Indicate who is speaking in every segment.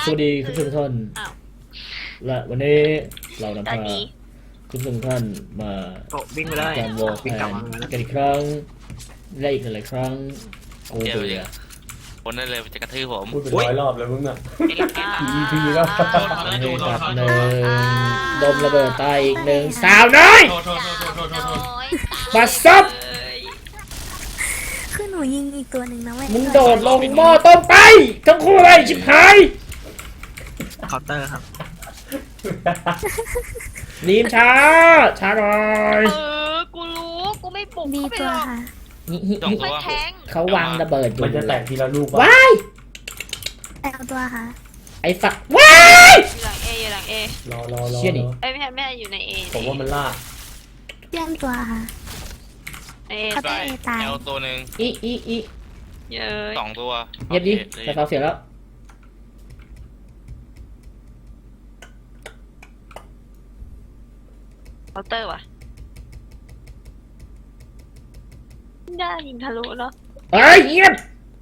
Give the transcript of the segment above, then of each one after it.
Speaker 1: วัสดีคุณผู้ชมทุกท่านและวันนี้เรานำพาคุณผู้ชมทุกท่านมาการวอลแพนกันอีกครั้งและอีกหลายครั้งโอ้เบื่อ
Speaker 2: คนนั่นเลยจะกระทืบผม
Speaker 3: พูดเป็นร้อยรอบแล้วมึงอ่ะEP แล้ว
Speaker 1: นี่ตัดหนึ่งดมระเบิดตายอีกหนึ่งสาวน้อยบัสซับ
Speaker 4: คือหนูยิงอีกตัวหนึ่งนะเว้ย
Speaker 1: มึงโดดลงหม้อต้มไปทั้งคู่เลยชิบหาย
Speaker 5: เคาน์เตอร์ครับ
Speaker 1: นีมช้าหน่อย
Speaker 6: กูรู้กูไม่ปลุก
Speaker 4: ดี
Speaker 6: เขาไป
Speaker 4: ตัว
Speaker 6: หรอก
Speaker 4: ค่ะ
Speaker 6: ไม่แทง
Speaker 1: เขาวางระเบิดอยู่
Speaker 3: มันจะแตกทีละลูก
Speaker 1: ว้าย
Speaker 4: เอาตัวค่ะ
Speaker 1: ไอ้ฝักว้าย
Speaker 6: อยู่หลังเออยู่หลังเอ
Speaker 3: รอ
Speaker 6: ไม่ใช่อยู่ในเอ
Speaker 3: ผมว่ามันล่า
Speaker 4: เยี่ยมตัวค่ะ
Speaker 6: เอ
Speaker 4: เขาจะตาย
Speaker 2: แอลตัวหนึ่ง
Speaker 1: อี
Speaker 6: เยอะ
Speaker 2: 2 ตัว
Speaker 1: เงียบดิแต่เขาเสียแล้ว
Speaker 6: เคาน์เตอร์ว่ะได้ยิงทะลุเนาะ
Speaker 1: เฮ้ยเงียบ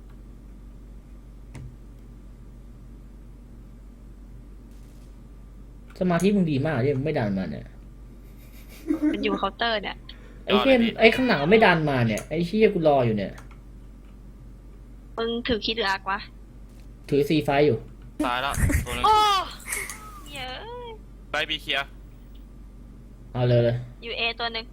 Speaker 1: สมาธิมึงดีมากที่มึงไม่ดันมาเนี่ย
Speaker 6: มันอยู่เคาน์เตอร์เนี่ย
Speaker 1: ไอ้เหี้ยไอ้ข้างหลังไม่ดันมาเนี่ยไอ้เหี้ยกูรออยู่เนี่ย
Speaker 6: มึงถือคิดหรืออักวะ
Speaker 1: ถือซีไฟอยู่
Speaker 2: ตายแล้วตัวนึง
Speaker 6: โอ้เยอะ
Speaker 2: ไปบีเคลียร์
Speaker 1: เอาเลย
Speaker 6: อยู่เอตัวหนึ่ง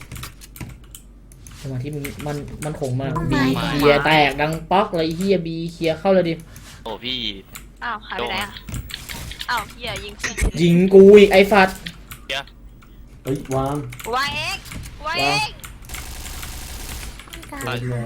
Speaker 1: สมาธิมันคงมากบีเคลียร์แตกดังป๊อกเลยเหี้ยบีเคลียร์เข้าเลยดิ
Speaker 2: โอ้พี่
Speaker 6: อ้าวหายไปไหนอ่ะอ้าวเหี้ยยิงเพื่อน
Speaker 1: ยิงกูอีกไอ้ฟัด
Speaker 3: เฮ้ย วาง
Speaker 6: วางเองวางเอง
Speaker 4: กลาง
Speaker 2: ไป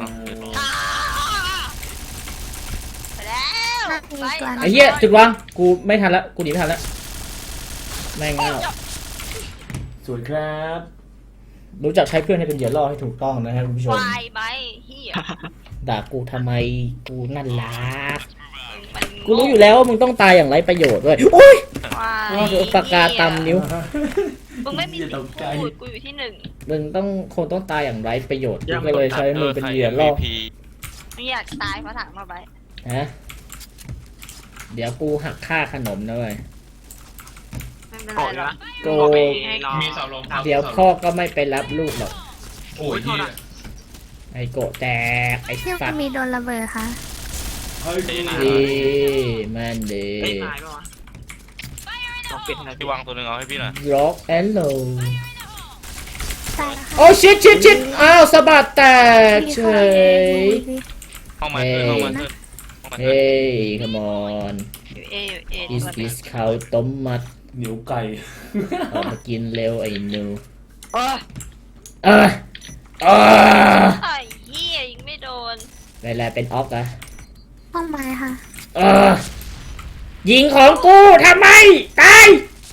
Speaker 6: ไปแล้วไป
Speaker 1: ไอ้เหี้ยจุดวางกูไม่ทันละกูหนีไม่ทันละแม่งเง่า
Speaker 3: สวยครับ
Speaker 1: รู้จักใช้เพื่อนให้เป็นเหยื่อล่อให้ถูกต้องนะครับคุณผู้ชม
Speaker 6: วายไปเหี้ย
Speaker 1: ด่ากูทำไมกูนั่นล่ะ
Speaker 6: มัน
Speaker 1: กูรู้อยู่แล้วว่ามึงต้องตายอย่างไรประโยชน์ด้วยอุ้ย
Speaker 6: วาย
Speaker 1: ปากกาตำนิ้ว
Speaker 6: มึงไม่มีสิทธิ์พูดกูอยู่ที่หนึ่ง
Speaker 1: มึงต้องตายอย่างไรประโยชน์กูก็เลยใช้มึงเป็นเหยื่อล่อ
Speaker 6: ไม่อยากตายเพราะถังมาไป
Speaker 1: ฮะเดี๋ยวกูหักค่าขนมนะเว้ย
Speaker 6: ไม่เป็นไรหรอก
Speaker 1: กู
Speaker 5: มีเสาลม
Speaker 1: เดี๋ยวพ่อก็ไม่ไปรับลูกหรอก
Speaker 5: โอ้ยที่
Speaker 1: ไอ้โกะแตกไอ้
Speaker 4: เที่ยว
Speaker 1: สัตว์
Speaker 4: มีโดนระเบิดค่ะ
Speaker 1: ดีมันดี
Speaker 5: ไม่ตายป่ะวะต้องปิดนะ
Speaker 2: พี่วางตัวหนึ่งเอาให้พี่หน่อย
Speaker 1: ร็อกแอนโล
Speaker 4: ตายแล้วค่ะ
Speaker 1: โอ้ชิดอ้าวสะบัดแตกเฉย
Speaker 2: ห้องมันขึ้นห้องมันขึ้น
Speaker 1: เฮ้ย come on
Speaker 6: อยู่เออยู่เอ
Speaker 1: is this ข้าวต้มมัด
Speaker 3: เหนียวไก่
Speaker 1: ออกมากินเร็วไอ้หนู
Speaker 6: โอ้ย
Speaker 1: เออ
Speaker 6: ไอ้เหี้ยยิงไม่โดน
Speaker 1: เวลาเป็นออฟอะ
Speaker 4: ห้องไม้ค่ะ
Speaker 1: เออยิงของกูทำไมตาย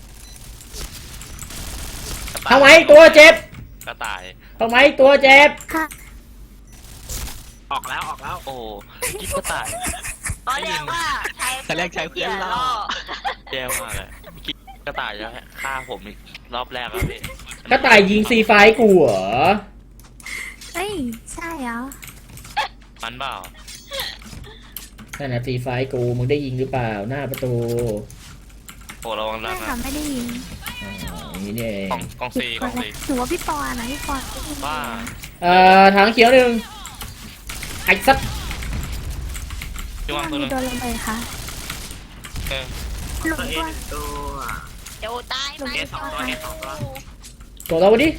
Speaker 1: ทำไมตัวเจ็บ
Speaker 2: กระต่าย
Speaker 1: ทำไมตัวเจ็บ
Speaker 4: ค่ะ
Speaker 5: ออกแล้วออกแล้ว
Speaker 2: โอ้กิ๊บกระต่าย
Speaker 6: ตอนเรียกว่าใช้
Speaker 5: เรียกใช้เพื่อนล่อ
Speaker 2: แย่มากเลยกิ๊บกระต่ายจะฆ่าผมอีกรอบแรกแล้วพี่
Speaker 1: กระต่ายยิงซีไฟกูเหรอ
Speaker 4: เอ้ยใช่เหรอ
Speaker 2: มันเปล่า
Speaker 1: นั่นนะซีไฟกูมึงได้ยิงหรือเปล่าหน้าประตู
Speaker 2: โอ้ระวัง
Speaker 4: ไม่
Speaker 2: ด้าน
Speaker 4: ค่ะ
Speaker 2: นะ
Speaker 4: ไม่ได้ยิน
Speaker 1: อ๋ออย่างนี้นี่เอง
Speaker 2: กอง
Speaker 4: ผิ
Speaker 2: ซี
Speaker 4: ด
Speaker 2: ก
Speaker 4: ค
Speaker 2: อน ง
Speaker 4: เล
Speaker 2: ซี
Speaker 4: ยหนูว่าพี่ปอนะพี่ปอได้ยิน
Speaker 2: บ้า
Speaker 1: ถังเขียวหนึ่งไอ้สัตว์
Speaker 2: พี่วางตัว
Speaker 4: มี
Speaker 2: นึง
Speaker 4: โดนระเบิดค่ะ
Speaker 2: เออ
Speaker 4: หลุม
Speaker 5: ตัวเอ
Speaker 4: ตัว
Speaker 5: ตัว
Speaker 6: เดี๋ยวตายไหม
Speaker 5: เอสองตัวเอสองตัว
Speaker 1: ตัวเราวันนี้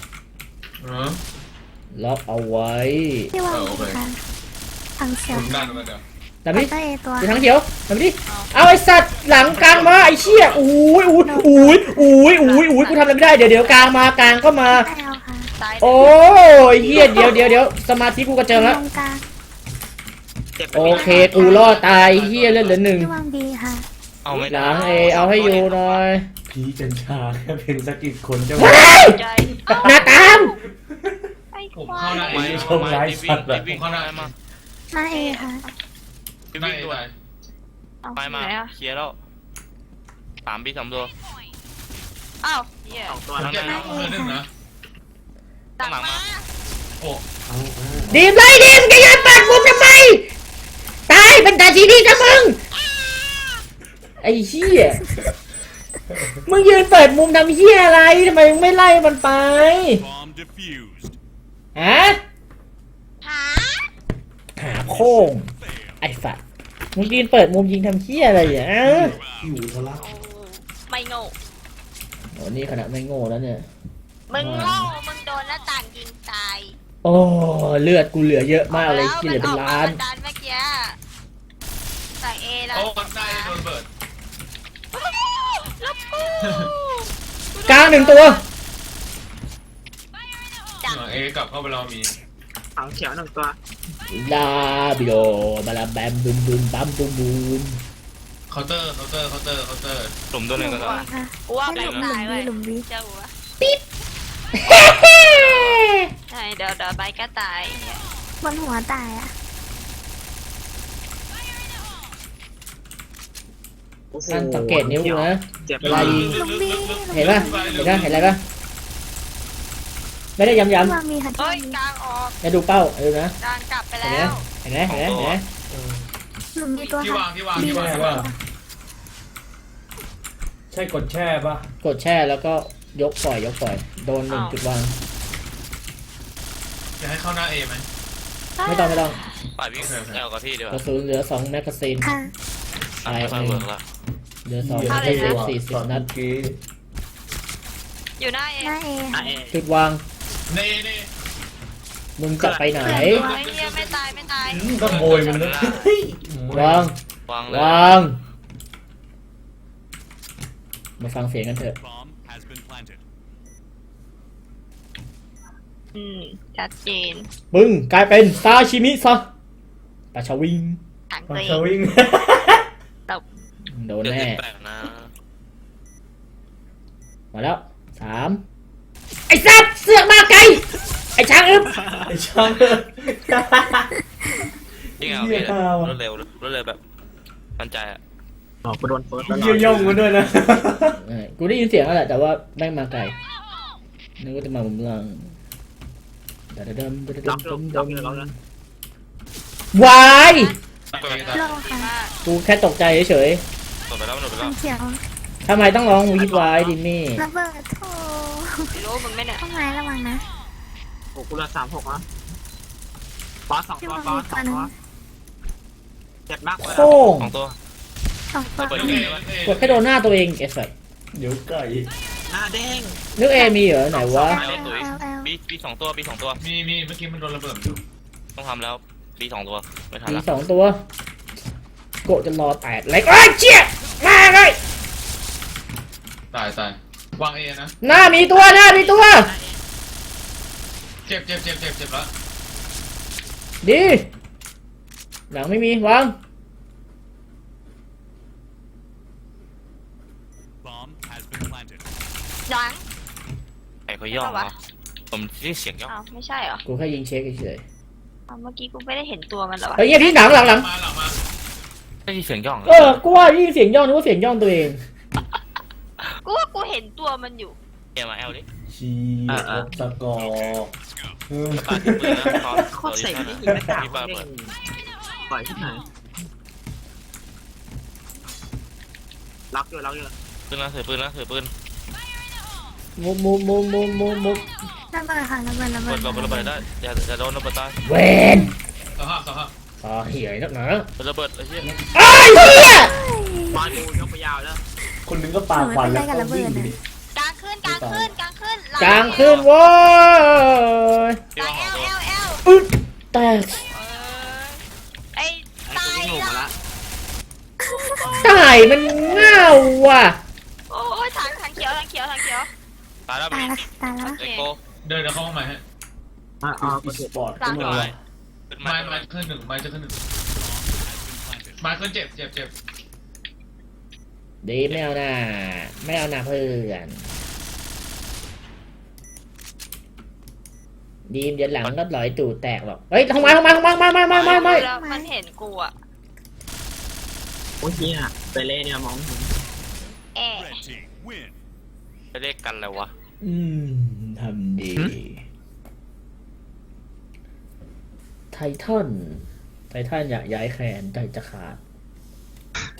Speaker 1: ล็อกเอาไว้
Speaker 4: ที่วางดีค่ะทางเขียว
Speaker 1: แต่ไม่
Speaker 4: ก็เอตัว
Speaker 1: อยู่ถังเขียวแต่ไม่ดิเอาไอ้สัตว์หลังกลางมาไอ้เชี่ยอุ้ยกูทำอะไรไม่ได้เดี๋ยวกลางมากลางก็มา
Speaker 4: ไม่เอาค่ะ
Speaker 6: ตาย
Speaker 1: โอ้ยเฮียเดี๋ยวสมาธิกูกระเจิงแล้ว
Speaker 4: ตรงกลาง
Speaker 5: เจ็บ
Speaker 1: โอเคกูรอดตายเฮียเลือดเหลือหนึ่ง
Speaker 4: ที่วางดีค่ะ
Speaker 2: เอาไม่
Speaker 1: ห
Speaker 2: ได้
Speaker 1: ลังเอเอาให้อยู่หน่อย
Speaker 3: พีกัญชาแค่เป็นสักกี่คนจะ
Speaker 1: ว้าย
Speaker 6: ใจ
Speaker 1: หน้าตาม
Speaker 6: ไอ้ควาย
Speaker 2: ไม่วิ่งเข้าได้มา
Speaker 4: หน้าเอค่ะ
Speaker 2: พี่วิ่งด้วย
Speaker 6: เอา
Speaker 2: ไปมา
Speaker 6: ไหนอะ
Speaker 2: เคลียร์แล้ว3 ปี 3 ตัว
Speaker 6: อ้าวเหี้ย
Speaker 5: สองตัว
Speaker 2: ข้าง
Speaker 4: ห
Speaker 2: ใน
Speaker 4: น้าเอค่ะ
Speaker 6: ตักมา
Speaker 1: ดีมเลยดีมแกยันปากผมทำไมตายเป็นตาสีดีกับมึงไอ้เหี้ยมึงยืนเปิดมุมทำเหี้ยอะไรทำไมมึงไม่ไล่มันไป
Speaker 7: Bomb defused.
Speaker 1: ฮะ
Speaker 6: หา
Speaker 1: หาโค้งไอ้สัตว์มึงยืนเปิดมุมยิงทำเหี้ยอะไรอ่ะ
Speaker 3: อยู่ทะลัก
Speaker 6: โอ้ไม่โง่
Speaker 1: โอ้นี่ขนาดไม่โง่แล้วเนี่ย
Speaker 6: มึงโง่มึงโดนหน้าต่างยิงตาย
Speaker 1: โอ้เลือดกูเหลือเยอะมากเลยที่เหลือเป็นล้าน
Speaker 6: มัออกมาบัดันเมื่อกี้ใส่เอแล้ว
Speaker 4: โอ้คนได้โดนระเบิด
Speaker 6: แล้วกู
Speaker 1: กลางหนึ่งตัว
Speaker 6: จัง
Speaker 4: เอกลับเข้าไปรอมี
Speaker 5: ถังเขียวหนึ่งตัว
Speaker 1: ลาบิโดบาลาแบมบุมบุมบัมบุมบุม
Speaker 4: เคาน์เตอร์
Speaker 2: หลุมตัวหนึ่งก็
Speaker 4: หลุ
Speaker 2: ได้
Speaker 4: มค่ะ
Speaker 6: กูว่า
Speaker 4: ห
Speaker 6: ไม่
Speaker 4: ลุม
Speaker 6: ตายเว้ย
Speaker 4: หลุมวี
Speaker 6: เจ้าหัวใช่เดี๋ยวใบก็ตาย
Speaker 4: บนหัวตายอ่ะ
Speaker 5: โอ้โห
Speaker 1: อันสังเกตนิ้วกูนะ
Speaker 5: เจ็บ
Speaker 1: เวลายิง
Speaker 4: หลุมวี
Speaker 1: เห็นป่ะเห็นป่ะเห็นอะไรป่ะไม่ได้ย้ำ
Speaker 4: ที่วางมีค่ะที่
Speaker 6: เฮ้
Speaker 4: วาย งมี
Speaker 6: กลางออก
Speaker 1: ๆจะดูเป้าดูนะ
Speaker 6: กลางกลับไป
Speaker 1: เห็น
Speaker 6: แล้
Speaker 1: ไหม
Speaker 6: ว
Speaker 1: เห็นไหมเห็นไหมเห็นไหม
Speaker 4: หลุมมีตัว
Speaker 7: ที่
Speaker 4: ค่ะ
Speaker 7: วางที่วาง
Speaker 4: มี
Speaker 7: ที่วาง
Speaker 3: แช่ป่ะใช่กดแช่ป่ะ
Speaker 1: กดแช่แล้วก็ยกปล่อยโดนหนึ่งจุดวาง
Speaker 7: จะให้เข้าหน้าเอไหม
Speaker 1: ไม่ต้อง
Speaker 2: ปล่อยวิ่งแอลกับพี่ดีก
Speaker 1: ก
Speaker 2: ว่า
Speaker 1: ระสุนเหลือ2แมกกาซีน
Speaker 4: ค่ะ
Speaker 1: ตาย
Speaker 2: ไม่
Speaker 1: ห
Speaker 2: เวิ
Speaker 1: นึ่ง
Speaker 2: ร์กละ
Speaker 1: เหลือ2
Speaker 3: เหี้ย
Speaker 1: ได้เซฟ
Speaker 3: ตอน
Speaker 1: 40นัด
Speaker 3: เมื่อกี้
Speaker 6: อยู่หน้าเอ
Speaker 4: หน้าเอ
Speaker 5: อ่ะ
Speaker 4: ค่ะ
Speaker 5: เอ
Speaker 1: จุดวาง
Speaker 7: เน่เน่
Speaker 1: มึงจะไปไหน
Speaker 6: เฮ้ยเฮียไม่ตายไม่ตาย
Speaker 3: ก็โมยมันเลย
Speaker 1: วาง
Speaker 2: วางเลย
Speaker 1: วางมาฟังเสียงกันเถอะ
Speaker 7: Bomb has been planted.
Speaker 6: ชัดเจน
Speaker 1: มึงกลายเป็นซาชิมิซะปลาชาวิง
Speaker 6: ถัง
Speaker 3: มา
Speaker 6: ตัวเอ
Speaker 3: ส
Speaker 6: ง
Speaker 3: วิง
Speaker 6: ตบ
Speaker 1: โดน
Speaker 2: เดี๋ยว
Speaker 1: แน่
Speaker 2: แตกนะ
Speaker 1: มาแล้ว3ไอ้สัตว์เสือกมาไกลไอ้ช้างอึบ
Speaker 3: ไอ้ช่าง
Speaker 2: ยิ่งเอา
Speaker 3: เหี้
Speaker 2: พี่
Speaker 3: ยข้าวอะ
Speaker 2: รวดเร็วแบบมั่นใจอะ
Speaker 5: อ๋อกูโดนเฟิร์สแล้ว
Speaker 3: เยี่ยย่องมันด้วยนะ
Speaker 1: กูได้ยินเสียงแล้วแหละแต่ว่าแม่งมาไกลนึกว่าจะมามุมหลังดำ
Speaker 5: ล็อกเลยล็อกเลยล็อกเลย
Speaker 1: วาย
Speaker 7: ตัวเอง
Speaker 4: โล
Speaker 6: ดี
Speaker 4: ค่ะ
Speaker 6: มาก
Speaker 1: กูแค่ตกใจเฉย
Speaker 2: หมดไปแล้ว
Speaker 4: ทางเขียว
Speaker 1: ๆทำไมต้องร้องวีดวายดิมี่
Speaker 4: ระเบิดโถ
Speaker 6: ไม่รู้มึงไม่เนี่ย
Speaker 4: ต้นไม้ระวังนะ
Speaker 5: โอ้กูเหลือ36นะบอส2ตัวบอส2ตัวเจ็บมากเลย
Speaker 1: โค้ง
Speaker 2: 2 ตัว
Speaker 4: สองตัว
Speaker 2: เปิด
Speaker 7: ตัว
Speaker 2: เอ
Speaker 7: เอง
Speaker 2: วะ
Speaker 1: กดแค่โดนหน้าตัวเองไอ้สัส
Speaker 3: เดี๋ยวไก่
Speaker 5: หน้าเด้ง
Speaker 1: นึกเอมีเหรอไหนวะ
Speaker 2: แอลตุ๋ย
Speaker 4: L L
Speaker 2: บี2 ตัว
Speaker 7: มีเมื่อกี้มันโดนระเบิดอยู่
Speaker 2: ต้องทำแล้วบี2 ตัวไม่ทัน
Speaker 1: มี
Speaker 2: ละ
Speaker 1: 2 ตัวโกะจะรอแตกเล็กไอ้ยเจี๊ยมาเลย
Speaker 7: ตายวางเอนะ
Speaker 1: หน้ามีตัว
Speaker 7: เจ็บแล้ว
Speaker 1: ดีหลังไม่มีวาง
Speaker 7: Bomb has been planted.
Speaker 6: หลัง
Speaker 2: ไอ้เขาย่องเหรอผมได้เสียงย่อง
Speaker 6: อ้าวไม่ใช่เหรอ
Speaker 1: กูแค่ยิงเช็คเฉย
Speaker 6: อ้าวเมื่อกี้กูไม่ได้เห็นตัวมันเหรอวะ
Speaker 1: ๆเฮ้ยพี่หลัง
Speaker 7: มาหลังมา
Speaker 2: ได้ยินเสียงย่องเหร
Speaker 1: เออกูว่ายิงเสียงย่องนึกว่าเสียงย่องตัวเอง
Speaker 6: กูว่ากูเห็นตัวมันอยู่
Speaker 2: เอ็มมาแอลดิ
Speaker 3: ชีสกอร์
Speaker 2: กระต่ายปืนนะตอน
Speaker 5: โคตรเซ็งที่ยิงหน้ากาก
Speaker 2: พี่ปา
Speaker 5: เด้
Speaker 2: เปิด
Speaker 5: งปล่อยที่ไหนล็อกอยู่
Speaker 2: ปืนนะถือปืน
Speaker 1: มุบ
Speaker 4: ระเบิดค่ะระเบิด
Speaker 2: เปิดระเบิดได้อย่าโดนระเบิดตาย
Speaker 1: เวน
Speaker 7: สภาพ
Speaker 1: ต่อเหี้ยนักหนา
Speaker 2: เป็นระเบิดไอ้เหี้ย
Speaker 1: ไอ้เหี้ย
Speaker 5: บอลกูยกไปยาวแล้ว
Speaker 3: คนนึงก็ปาควันแล้วก็วิ่งดิ
Speaker 6: กลางขึ้น
Speaker 1: กลางขึ้นโว้ย
Speaker 2: พี่
Speaker 6: ตา
Speaker 2: ว่าย ของ
Speaker 6: เอ
Speaker 2: ตัว
Speaker 6: ล
Speaker 1: อึดแตก
Speaker 6: ไอ้
Speaker 5: ไอ้
Speaker 6: ตา
Speaker 5: กู
Speaker 6: ย
Speaker 5: วิ่งหนูมา
Speaker 6: ละ
Speaker 5: ละ
Speaker 1: ตายมันง่าวว่ะ
Speaker 6: โอ้ยถังเขียว
Speaker 2: ตายแล้ว
Speaker 4: ตาย
Speaker 2: มี
Speaker 4: ละตายละ
Speaker 2: เอ็กโก
Speaker 7: เดินเข้าห้องใหม่ฮะ
Speaker 5: อ๋อ
Speaker 3: อี
Speaker 5: กู
Speaker 3: ส
Speaker 5: เจ็บ
Speaker 3: ปอร์ตก็
Speaker 2: ขึ้น
Speaker 3: มา
Speaker 2: ไม้ขึ้นไม้
Speaker 7: ไม้ขึ้นหนึ่งไม้จะขึ้นหนึ่งไม้ขึ้นเจ็บ
Speaker 1: ดีไม่เอาหน้าเพื่อนดีมเดี๋ยวหลังก็หลอยตูดแตกหรอกเฮ้ยทำไมไม่
Speaker 6: แล้วมันเห็นกูอะ
Speaker 5: โอ้ยเฮียไปเล่เนี่ยมองเห็น
Speaker 6: แอะ
Speaker 7: Red team win.
Speaker 2: จะเรียกกันอะไรวะ
Speaker 1: ทำดี ไททันอยากย้ายแขนใจจะขาด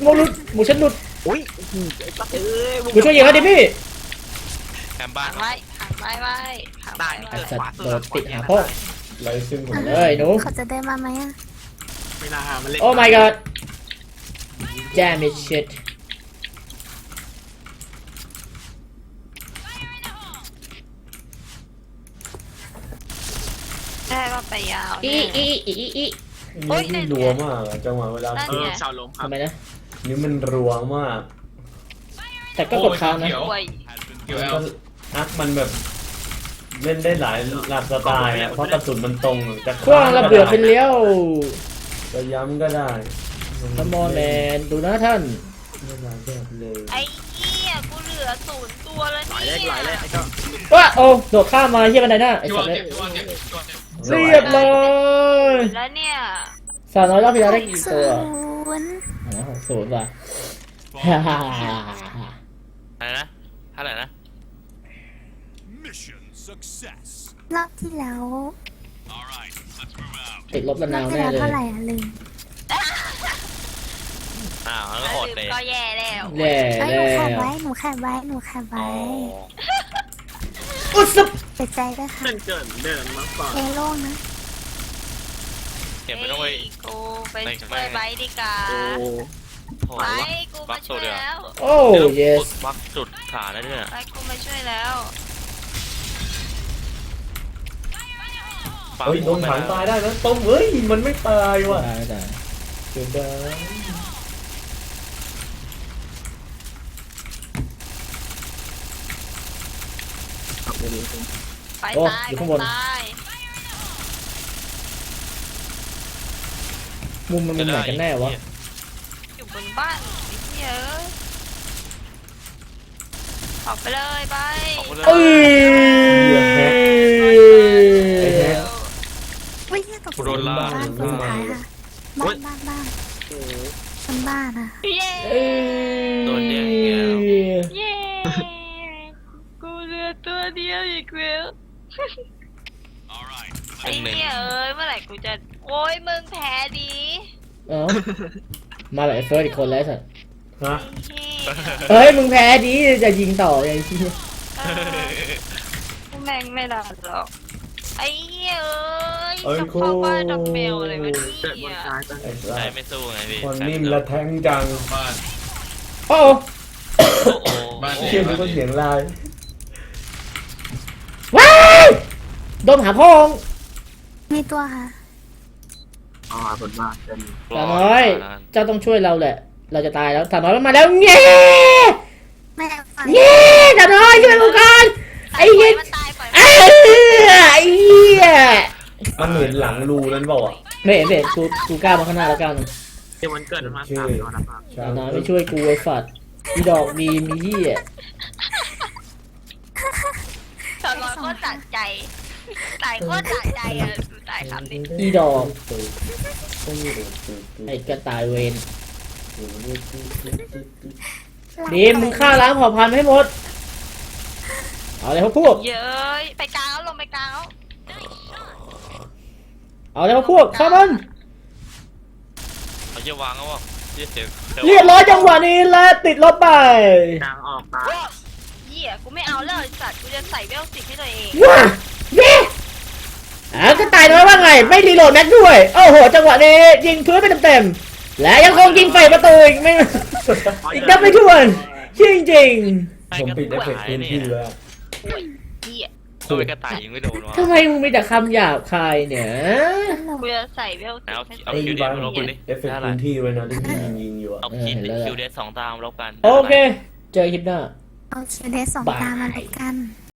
Speaker 1: หมูหลุดหมูฉันหลุด
Speaker 5: อุ้ยไอ้สัตว์เอ้ย
Speaker 1: หมูช่วยยิงเขาดิพี่
Speaker 2: แคมบ้า
Speaker 6: หั
Speaker 2: น
Speaker 6: นไว้หันไว้ไว้หัน
Speaker 5: ได้
Speaker 6: ไว้
Speaker 1: ไอ้
Speaker 6: ไว้
Speaker 1: สัตว์โดดติดหาพ่อ
Speaker 3: ไรซึ่งผม
Speaker 1: เอ้ยหนู
Speaker 4: เขาจะเดินมาไหมอ่ะ
Speaker 5: ไม่น่ามันเล่น
Speaker 1: โอ้ my god damn it shit
Speaker 6: ได้ว่าไปยาว
Speaker 1: อี
Speaker 6: แน่
Speaker 1: อี
Speaker 3: นี่รัวมากอะจังหวะเวลา
Speaker 5: ชาวลมครับ
Speaker 1: ทำไมนะ
Speaker 3: นี่มันรัวมาก
Speaker 1: แต่ก็กดค้างนะ
Speaker 6: ป่วย
Speaker 3: แล้วก็อักมันแบบเล่นได้หลายหลากสไตล์อะเพราะกระสุนมันตรงจะ
Speaker 1: คว้างระเบิดไปเลี้ยว
Speaker 3: จะย้ำก็ได้
Speaker 1: ทมอแมนดูนะท่าน
Speaker 3: ไม่ได้แบบเลย
Speaker 6: ไอ้เหี้ยกูเหลือ0 ตัวแล้ว
Speaker 5: หลายเล
Speaker 6: เนี่
Speaker 5: ขหลายเลข
Speaker 6: ย
Speaker 5: ไอ้เจ้า
Speaker 1: ว้าโอ้โดดข้ามมาเฮียบันไดหน้าไอ้
Speaker 7: พี่
Speaker 1: สั
Speaker 7: ว่า
Speaker 1: ตว์
Speaker 7: เก็บพี่ว่าเก็บพี่ว่าเก็บ
Speaker 1: เรียบร้อย
Speaker 6: แล้วเนี่ย
Speaker 1: สาวน้อยรอบที่แล้วได้กี่
Speaker 4: ศู
Speaker 1: ตัวน
Speaker 4: ย์
Speaker 1: 60ว่ะฮ่าฮ่าฮ่าฮ่า
Speaker 2: อะไรนะเท่าไหร่นะ
Speaker 4: รอบที่แล้ว
Speaker 1: ติดลบระ
Speaker 4: รอน
Speaker 1: าว
Speaker 4: บที่
Speaker 1: แน่
Speaker 4: แล้ว
Speaker 1: เลย
Speaker 4: เท่าไหร่อ่ะลืม
Speaker 2: อ้าวแล้ว
Speaker 6: ถ้า
Speaker 2: อด
Speaker 6: ลืม
Speaker 2: เลย
Speaker 6: ก็แย่แล้ว
Speaker 1: แย่
Speaker 4: เอ้ยห
Speaker 1: แล้
Speaker 4: นูแคบ
Speaker 1: ว
Speaker 4: ไว้หนูแคบไว้หนูแคบ
Speaker 2: อ๋อ
Speaker 4: ไว้
Speaker 1: อุสบ
Speaker 4: สียใจด้วยค่ะ
Speaker 5: เดินเกินเดินมาก่อน
Speaker 4: เอโล่งนะ
Speaker 2: เก็บไม่ต้องไป
Speaker 6: กูไปช่วยไบร์ทดีกว่า
Speaker 5: โอ้
Speaker 2: โอ้
Speaker 6: ไป
Speaker 2: ย
Speaker 6: กูมาช่วยแล้ว
Speaker 1: โอ้ yes
Speaker 2: วักจุดขาแล้วเนี่ย
Speaker 6: ไปกูมาช่วยแล้ว
Speaker 3: เฮ้ยโดนถังตายได้นะต้มเฮ้ยมันไม่ตายว่ะ
Speaker 1: ตายไม่ตาย
Speaker 3: เกิดได้
Speaker 6: ไป
Speaker 1: โอ้
Speaker 6: ตาย
Speaker 1: อยู่
Speaker 6: ไป
Speaker 1: ข้างบน
Speaker 6: ตาย
Speaker 1: มุมมันมุมไหนกันแน่วะ
Speaker 6: อยู่บนบ้านไอ้เหี้ยออกไปเลยไป
Speaker 1: เอ้ย
Speaker 3: ไอ้แฮะ
Speaker 4: วิ่งตก
Speaker 2: กูโดนล่า
Speaker 4: บ้านคนสุดท้ายค่ะบ้านทำบ้านอ่ะ
Speaker 6: เย้
Speaker 2: โดนแย่งอีกแล้ว
Speaker 6: เย้กูเหลือตัวเดียวอีกแล้วไอ้เหี้ยเอ้ยเมื่อไหร่กูจะโอ้ยมึงแพ้ดี
Speaker 1: เอ้ามาแบบไอ้เฟิร์สอีกคนแล้วสัส
Speaker 3: ฮะ
Speaker 6: ไอ้เหี้ย
Speaker 1: เฮ้ยมึงแพ้ดีจะยิงต่อยังที่
Speaker 6: แม่งไม่รอดหรอกไอ้เหี้ยเอ้
Speaker 3: เอ้
Speaker 6: ย
Speaker 3: ย
Speaker 6: จะเข้าบ้านดับเบลอะไรวะ
Speaker 5: เกิดบ
Speaker 6: เนี่
Speaker 5: น
Speaker 6: ย
Speaker 5: ซ้ายกัน
Speaker 3: ไอ้สั
Speaker 2: ใจ
Speaker 3: ส
Speaker 2: ไม่สู้ไงพี่
Speaker 3: คนนิ่มและแทงจัง
Speaker 7: บ้าน
Speaker 1: โอ้
Speaker 2: โอ้โห
Speaker 7: บ้าน
Speaker 3: เชื่อมันก็เสียงลาย
Speaker 1: ว้ายโดนหาพ่อง
Speaker 4: มีตัวค่ะ
Speaker 5: อ๋อบนบ้านเป็น
Speaker 1: สาวน้อยเจ้าต้องช่วยเราแหละ เราจะตายแล้วสาวน้อยมันมาแล้วเงี้ย
Speaker 4: แม่ฝัน
Speaker 1: เงี้ยสาวน้อยช่วยกูก่อนไอ้เหี้ย
Speaker 6: มันตายปล่อย
Speaker 1: ไอ้เหี้ย
Speaker 3: มันเห็นหลังรูนั้นเปล่าอ่ะ
Speaker 1: ไม่เห็นไม่เห็นกูก้าวมาข้างหน้าแล้วก้าวหนึง
Speaker 5: เดี๋ยวมันเกิดมา3ตัวนะครับ
Speaker 3: ใช่
Speaker 1: สาวน้อยไม่ช่วยกูไอ้ฝัดอีดอกดีมีเหี้ย
Speaker 6: สอนร้อยโคตรสะใจตายโคตรสะใจอ่ะดูตายคำนี้
Speaker 1: อีดอกไอ้กระต่ายเวนดีมมึงฆ่าล้างเผ่าพันธุ์ให้หมดเอาเลยพวก
Speaker 6: เย้ยไปกลางแล้วลงไปกลางแล้ว
Speaker 1: เอาเลยพวกฆ่ามัน
Speaker 2: เขาจะวางแล้ววะเสียง
Speaker 1: เรียบร้อยจังหวะนี้และติดลบไป
Speaker 5: กลางออกตาย
Speaker 6: เหี้ยกูไม่เอาแล้วไอ้สัตว์กูจะใส่เวล10ให้ตัวเอง
Speaker 1: ว้าเย้กระต่ายน้อยว่าไงไม่รีโหลดแม็กด้วยโอ้โหจังหวะนี้ยิงพื้นไปเต็มๆและยังคงยิงไฟประตูอีกไม่อีกนับไม่ถ้วนจริง
Speaker 3: ผมปิดเอฟเฟกต์พื้นที่แล้ว
Speaker 6: เหี้ย
Speaker 2: ตัวกระต่ายยิงไม่โดนวะ
Speaker 1: ๆทำไมมึงมีแต่คำหยาบคายเนี่ย
Speaker 6: กูจะใส่เวล
Speaker 2: เอา
Speaker 6: 10ให้
Speaker 2: เอา
Speaker 6: ตัว
Speaker 3: ไอ้
Speaker 2: คิวเด
Speaker 3: บ้า
Speaker 2: ส
Speaker 3: น
Speaker 2: มาลบ
Speaker 3: ปิ
Speaker 2: กัน
Speaker 3: ด
Speaker 2: ดิ
Speaker 3: เอฟเฟกต์พื้นที่ไว้นะที่ยิงอยู่อ่ะ
Speaker 2: เอาคิวเดส2 ตามลบกัน
Speaker 1: โอเคเจอคลิปหน้า
Speaker 4: เอาคิวเดส2 ตามาเลยกัน